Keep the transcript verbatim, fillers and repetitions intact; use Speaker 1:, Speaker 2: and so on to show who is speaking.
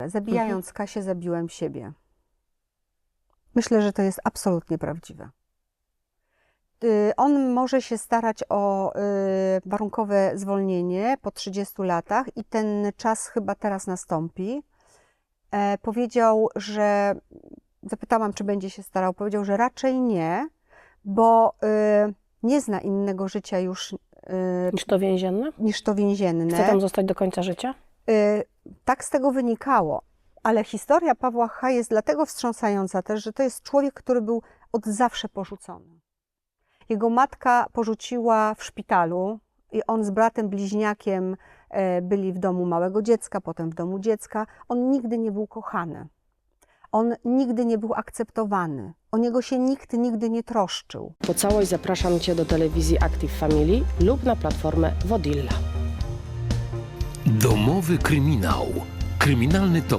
Speaker 1: Zabijając
Speaker 2: Mhm.
Speaker 1: Kasię, zabiłem siebie. Myślę, że to jest absolutnie prawdziwe. Y, On może się starać o y, warunkowe zwolnienie po trzydziestu latach i ten czas chyba teraz nastąpi. E, powiedział, że zapytałam, czy będzie się starał. Powiedział, że raczej nie, bo y, nie zna innego życia już y,
Speaker 2: Niż to więzienne?
Speaker 1: niż to więzienne.
Speaker 2: Chce tam zostać do końca życia?
Speaker 1: Y, Tak z tego wynikało. Ale historia Pawła H. jest dlatego wstrząsająca też, że to jest człowiek, który był od zawsze porzucony. Jego matka porzuciła w szpitalu i on z bratem bliźniakiem e, byli w domu małego dziecka, potem w domu dziecka. On nigdy nie był kochany. On nigdy nie był akceptowany. O niego się nikt nigdy nie troszczył.
Speaker 2: Po całość zapraszam Cię do telewizji Active Family lub na platformę Wodilla.
Speaker 3: Domowy kryminał. Kryminalny tok